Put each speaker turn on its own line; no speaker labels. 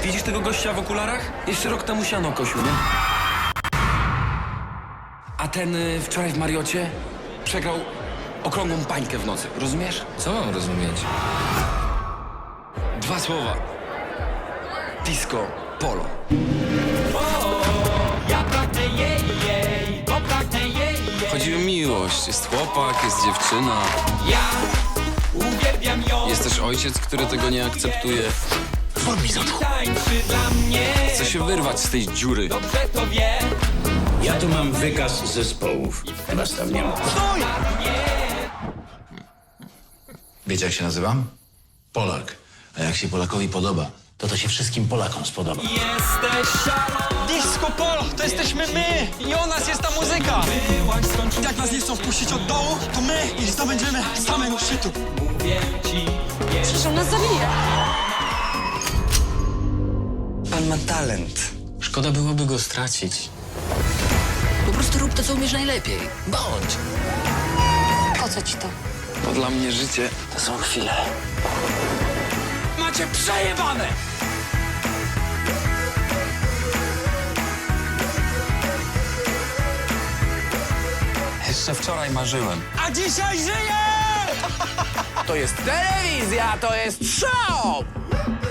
Widzisz tego gościa w okularach? Jeszcze rok temu siano kosił, nie? A ten wczoraj w Mariocie przegrał okrągłą pańkę w nocy, rozumiesz?
Co mam rozumieć?
2 słowa. Disco polo.
Chodzi o miłość. Jest chłopak, jest dziewczyna. Jest też ojciec, który tego nie akceptuje. Chce się wyrwać z tej dziury.
Ja tu mam wykaz zespołów. Was tam nie ma.
Wiecie, jak się nazywam? Polak. A jak się Polakowi podoba, to się wszystkim Polakom spodoba.
Disco Polo, to jesteśmy my i o nas jest ta muzyka. Jak nas nie chcą wpuścić od dołu, to my ich zdobędziemy z samego szczytu.
Przecież on nas zabije.
Pan ma talent.
Szkoda byłoby go stracić.
Po prostu rób to, co umiesz najlepiej. Bądź.
Po co ci to?
Bo dla mnie życie
To są chwile.
Macie przejebane!
jeszcze wczoraj marzyłem.
A dzisiaj żyje!
To jest telewizja, to jest show!